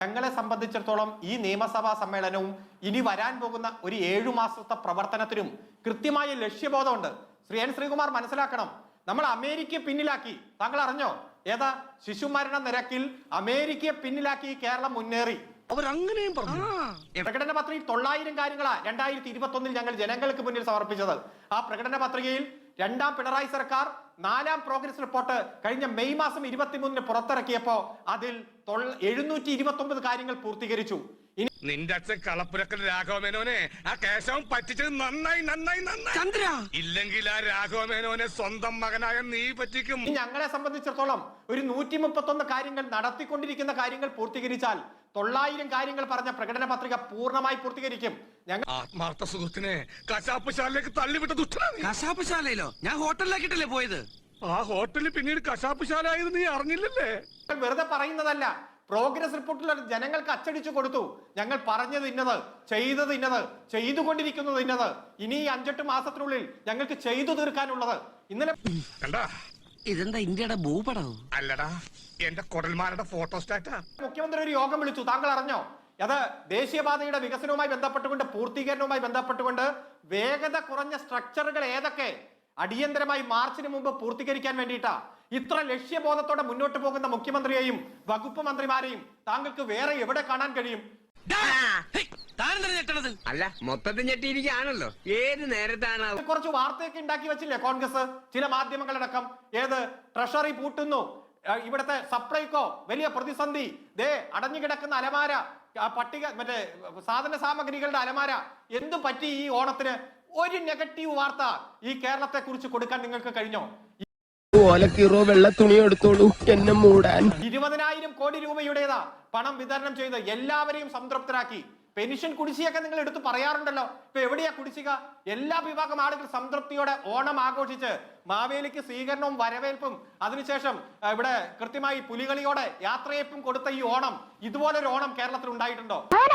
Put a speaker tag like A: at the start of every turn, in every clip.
A: ഞങ്ങളെ സംബന്ധിച്ചിടത്തോളം ഈ നിയമസഭാ സമ്മേളനവും ഇനി വരാൻ പോകുന്ന ഒരു 7 മാസത്തെ പ്രവർത്തനത്തിനും കൃത്യമായ ലക്ഷ്യബോധമുണ്ട്. ശ്രീകുമാർ മനസ്സിലാക്കണം, നമ്മൾ അമേരിക്കയെ പിന്നിലാക്കി. താങ്കൾ അറിഞ്ഞോ? ഏതാ? ശിശുമരണ നിരക്കിൽ അമേരിക്കയെ പിന്നിലാക്കി കേരളം മുന്നേറി.
B: അവരങ്ങനെയും പറഞ്ഞു.
A: പ്രകടന പത്രികയിൽ 900 കാര്യങ്ങളാ 2021 ഞങ്ങൾ ജനങ്ങൾക്ക് മുന്നിൽ സമർപ്പിച്ചത്. ആ പ്രകടന പത്രികയിൽ 2ാം പിണറായി സർക്കാർ 4ാം പ്രോഗ്രസ് റിപ്പോർട്ട് കഴിഞ്ഞ മെയ് മാസം 23 പുറത്തിറക്കിയപ്പോ അതിൽ 729 കാര്യങ്ങൾ പൂർത്തീകരിച്ചു.
C: നിന്റെ അച്ഛൻ കളപ്പുരക്കൽ രാഘവമേനോനെ ആ കേശവൻ പറ്റിച്ചത് നന്നായി നന്നായി നന്നായി ചന്ദ്ര. ഇല്ലെങ്കിൽ ആ രാഘവമേനോനെ സ്വന്തം മകനായ നീ പറ്റിക്കും.
A: ഞങ്ങളെ സംബന്ധിച്ചിടത്തോളം ഒരു 131 കാര്യങ്ങൾ നടത്തിക്കൊണ്ടിരിക്കുന്ന കാര്യങ്ങൾ പൂർത്തീകരിച്ചാൽ 900 കാര്യങ്ങൾ പറഞ്ഞ പ്രകടന പത്രിക പൂർണ്ണമായി പൂർത്തീകരിക്കും. ഞങ്ങൾ
C: ആത്മാർത്ഥ സുഹൃത്തിനെ കശാപ്പുശാലയിലേക്ക് തള്ളിവിട്ട ദുഷ്ടനാണ്.
B: കശാപ്പുശാലയിലോ? ഞാൻ ഹോട്ടലിലാക്കിട്ടല്ലേ പോയത്.
C: ആ ഹോട്ടലിൽ പിന്നീട് കശാപ്പുശാല ആയത് നീ അറിഞ്ഞില്ലല്ലേ?
A: വെറുതെ പറയുന്നതല്ല. പ്രോഗ്രസ് റിപ്പോർട്ടിൽ ജനങ്ങൾക്ക് അച്ചടിച്ചു കൊടുത്തു. ഞങ്ങൾ പറഞ്ഞത് ഇന്നത്, ചെയ്തത് ഇന്നത്, ചെയ്തുകൊണ്ടിരിക്കുന്നത് ഇന്നത്, ഇനി 5-8 മാസത്തിനുള്ളിൽ ഞങ്ങൾക്ക് ചെയ്തു തീർക്കാനുള്ളത്. ഇന്നലെ
B: ഇതെന്താ ഇന്ത്യയുടെ ഭൂപടവും
C: അല്ലടാ, എന്റെ കൊടൽമാരുടെ ഫോട്ടോസ്റ്റാറ്റാ.
A: മുഖ്യമന്ത്രി ഒരു യോഗം വിളിച്ചു. താങ്കൾ അറിഞ്ഞോ? അത് ദേശീയപാതയുടെ വികസനവുമായി ബന്ധപ്പെട്ടുകൊണ്ട്, പൂർത്തീകരണവുമായി ബന്ധപ്പെട്ടുകൊണ്ട് വേഗത കുറഞ്ഞ സ്ട്രക്ചറുകൾ ഏതൊക്കെ അടിയന്തരമായി മാർച്ചിന് മുമ്പ് പൂർത്തീകരിക്കാൻ വേണ്ടിയിട്ടാ. ഇത്ര ലക്ഷ്യബോധത്തോടെ മുന്നോട്ട് പോകുന്ന മുഖ്യമന്ത്രിയെയും വകുപ്പ് മന്ത്രിമാരെയും താങ്കൾക്ക് വേറെ എവിടെ കാണാൻ കഴിയും?
D: അല്ല, മൊത്തത്തിൽ ഞെട്ടിയിരിക്കുകയാണല്ലോ. ഏത് നേരത്താണ്
A: കുറച്ച് വാർത്തയൊക്കെ ഉണ്ടാക്കി വെച്ചില്ലേ കോൺഗ്രസ്, ചില മാധ്യമങ്ങളടക്കം? ഏത് ട്രഷറി പൂട്ടുന്നു, ഇവിടുത്തെ സപ്ലൈകോ വലിയ പ്രതിസന്ധി, ദേ അടഞ്ഞുകിടക്കുന്ന അലമാര, പട്ടിക മറ്റേ സാധന സാമഗ്രികളുടെ അലമാര. എന്തു പറ്റി ഈ ഓണത്തിന്? ഒരു നെഗറ്റീവ് വാർത്ത ഈ കേരളത്തെ കുറിച്ച് കൊടുക്കാൻ നിങ്ങൾക്ക് കഴിഞ്ഞോ?
E: വെള്ള തുണി എടുത്തോളൂ എന്നെ മൂടാൻ.
A: 20,000 കോടി രൂപയുടേതാ പണം വിതരണം ചെയ്ത് എല്ലാവരെയും സംതൃപ്തരാക്കി. പെൻഷൻ കുടിശ്ശിയൊക്കെ നിങ്ങൾ എടുത്ത് പറയാറുണ്ടല്ലോ. ഇപ്പൊ എവിടെയാ കുടിശ്ശിക? എല്ലാ വിഭാഗം ആളുകൾ സംതൃപ്തിയോടെ ഓണം ആഘോഷിച്ച് മാവേലിക്ക് സ്വീകരണവും വരവേൽപ്പും അതിനുശേഷം ഇവിടെ കൃത്യമായി പുലികളിയോടെ യാത്രയപ്പും കൊടുത്ത ഈ ഓണം, ഇതുപോലൊരു ഓണം കേരളത്തിൽ ഉണ്ടായിട്ടുണ്ടോ?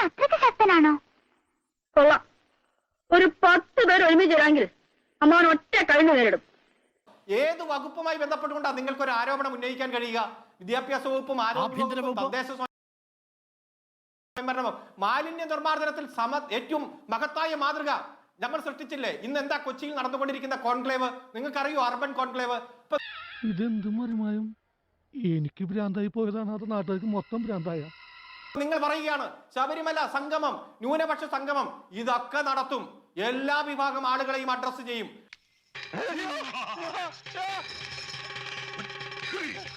F: ഒരു 10 പേർ ഒരുമിച്ചില്ലെങ്കിൽ അമ്മാവൻ ഒറ്റ കഴിഞ്ഞു നേരിടും.
A: ഏത് വകുപ്പുമായി ബന്ധപ്പെട്ടുകൊണ്ടാണ് നിങ്ങൾക്ക് ഒരു ആരോപണം ഉന്നയിക്കാൻ കഴിയുക? വിദ്യാഭ്യാസ വകുപ്പും ആരോഗ്യ വകുപ്പും തദ്ദേശ സ്വയംഭരണവും മാലിന്യ നിർമ്മാർജ്ജനത്തിൽ ഏറ്റവും മഹത്തായ മാതൃക നമ്മൾ സൃഷ്ടിച്ചില്ലേ? ഇന്ന് എന്താ കൊച്ചിയിൽ നടന്നുകൊണ്ടിരിക്കുന്ന കോൺക്ലേവ് നിങ്ങൾക്കറിയോ? Urban conclave.
G: ഇതെന്ത് മറിമായും എനിക്ക് ഭ്രാന്തായി പോയതാണ്, അത് നാട്ടുകാർക്ക് മൊത്തം ഭ്രാന്തായ.
A: നിങ്ങൾ പറയുകയാണ് ശബരിമല സംഗമം, ന്യൂനപക്ഷ സംഗമം, ഇതൊക്കെ നടത്തും. എല്ലാ വിഭാഗം ആളുകളെയും അഡ്രസ് ചെയ്യും.